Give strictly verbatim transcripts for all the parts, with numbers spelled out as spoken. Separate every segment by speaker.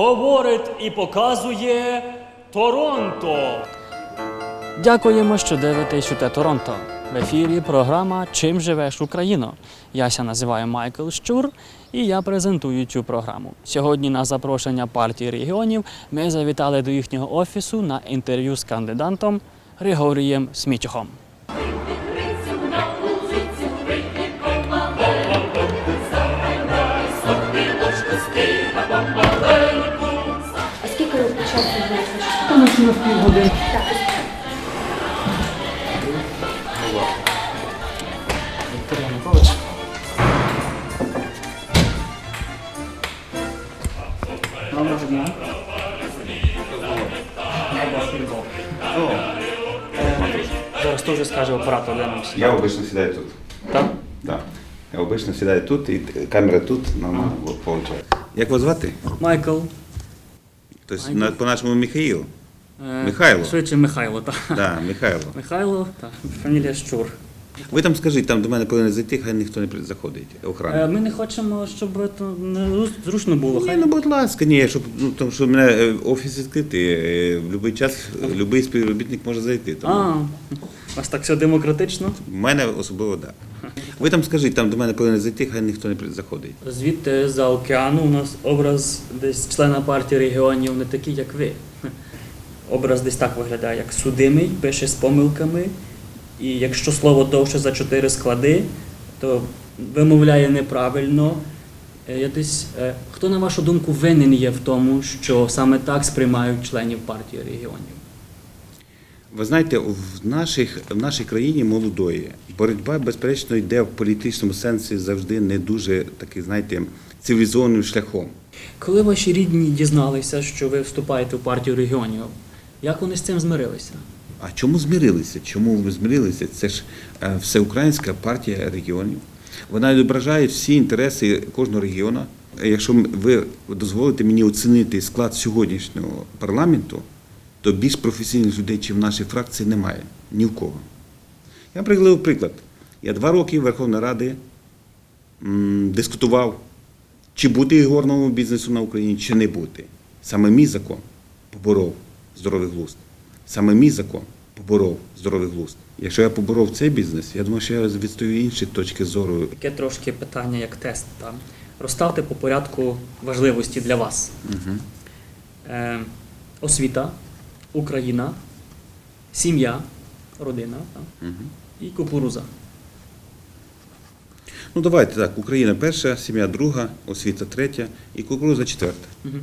Speaker 1: говорить і показує Торонто.
Speaker 2: Дякуємо, що дивитесь УТ Торонто. В ефірі програма «Чим живеш, Україно?». Яся називаю Майкл Щур і я презентую цю програму. Сьогодні на запрошення партії регіонів ми завітали до їхнього офісу на інтерв'ю з кандидатом Григорієм Смітюхом.
Speaker 3: А скільки часу вийшло?
Speaker 2: Там ось на півгодини. Вікторія Миколаївич. Доброго дня. Зараз теж скаже оператор, де нам сідати.
Speaker 4: Я обычно сідаю тут.
Speaker 2: Так?
Speaker 4: Да. Я обычно сідаю тут, і камера тут, нормально виходить. Як вас звати?
Speaker 2: Майкл.
Speaker 4: Тобто,
Speaker 2: Майкл.
Speaker 4: на- по-нашому Михаїл?
Speaker 2: Е,
Speaker 4: Михайло?
Speaker 2: Швидше Михайло, так.
Speaker 4: Да, Михайло.
Speaker 2: Михайло, так. Фамілія Щур.
Speaker 4: Ви там скажіть, там до мене повинен зайти, хай ніхто не при- заходить,
Speaker 2: Е,
Speaker 4: охрана.
Speaker 2: Ми не хочемо, щоб це не зру- зручно було.
Speaker 4: Ні,
Speaker 2: Хай
Speaker 4: ну будь ласка, ні, щоб, ну, тому що в мене е, офіс відкритий, е, в будь-який час будь-який співробітник може зайти. Тому
Speaker 2: А, у вас так все демократично.
Speaker 4: в мене особливо так. Да. Ви там скажіть, там до мене повинен зайти, хай ніхто не при- заходить.
Speaker 2: Звідти за океану у нас образ десь члена партії регіонів не такий, як ви. Образ десь так виглядає, як судимий, пише з помилками. І якщо слово довше за чотири склади, то вимовляє неправильно. Е, Я десь, е, хто, на вашу думку, винен є в тому, що саме так сприймають членів партії регіонів?
Speaker 4: Ви знаєте, в, наших, в нашій країні молодої боротьба, безперечно, йде в політичному сенсі завжди не дуже такий, знаєте, цивілізованим шляхом.
Speaker 2: Коли ваші рідні дізналися, що ви вступаєте в партію регіонів, як вони з цим змирилися?
Speaker 4: А чому змирилися? Чому ви змирилися? Це ж е, Всеукраїнська партія регіонів. Вона відображає всі інтереси кожного регіону. Якщо ви дозволите мені оцінити склад сьогоднішнього парламенту, то більш професійних людей, ніж в нашій фракції, немає. Ні в кого. Я приведу приклад. Я два роки Верховної Ради м, дискутував, чи бути ігорному бізнесу на Україні, чи не бути. Саме мій закон поборов здоровий глузд. Саме мій закон поборов здоровий глузд. Якщо я поборов цей бізнес, я думаю, що я відстою інші точки зору.
Speaker 2: Таке трошки питання, як тест. Там. Розставте по порядку важливості для вас.
Speaker 4: Угу.
Speaker 2: Е, освіта, Україна, сім'я, родина там,
Speaker 4: Угу.
Speaker 2: і кукуруза.
Speaker 4: Ну давайте так, Україна перша, сім'я друга, освіта третя і кукурудза четверта.
Speaker 2: Угу.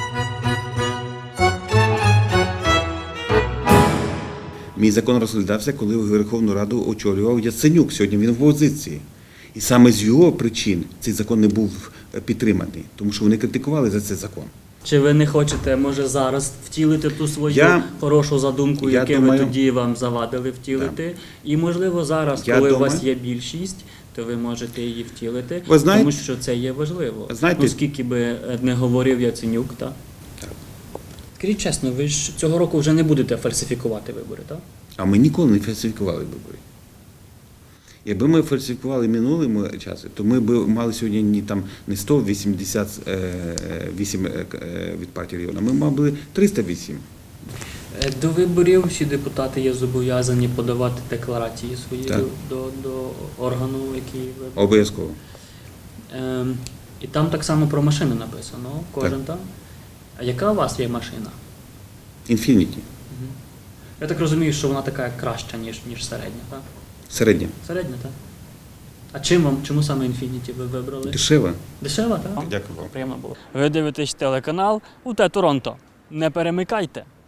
Speaker 4: Мій закон розглядався, коли Верховну Раду очолював Яценюк. Сьогодні він в опозиції. І саме з його причин цей закон не був підтриманий, тому що вони критикували за цей закон.
Speaker 2: Чи ви не хочете, може, зараз втілити ту свою
Speaker 4: Я-
Speaker 2: хорошу задумку,
Speaker 4: я
Speaker 2: яку
Speaker 4: думаю-
Speaker 2: ви тоді вам завадили втілити? І, можливо, зараз,
Speaker 4: Я
Speaker 2: коли у
Speaker 4: думаю-
Speaker 2: вас є більшість, то ви можете її втілити,
Speaker 4: Ви знаєте-
Speaker 2: тому що це є важливо.
Speaker 4: Знаєте-
Speaker 2: Ну, скільки би е, не говорив Яценюк, так?
Speaker 4: Так.
Speaker 2: Скажіть чесно, ви ж цього року вже не будете фальсифікувати вибори, так?
Speaker 4: А ми ніколи не фальсифікували вибори. Якби ми фальсифікували минулому часі, то ми б мали сьогодні не, там, не сто вісімдесят вісім від партії регіону, ми мали триста вісім.
Speaker 2: Е, До виборів всі депутати є зобов'язані подавати декларації свої
Speaker 4: Так.
Speaker 2: до, до, до органу, який ви.
Speaker 4: Обов'язково.
Speaker 2: Ем, і там так само про машини написано, кожен
Speaker 4: Так.
Speaker 2: там. А яка у вас є машина?
Speaker 4: Інфініті.
Speaker 2: Я так розумію, що вона така краща, ніж, ніж середня, так?
Speaker 4: Середня.
Speaker 2: Середня, так? А чим вам, чому саме Infiniti ви вибрали?
Speaker 4: Дешева.
Speaker 2: Дешева, так?
Speaker 4: Дякую вам.
Speaker 2: Приємно було. Ви дивитесь телеканал УТ Торонто. Не перемикайте.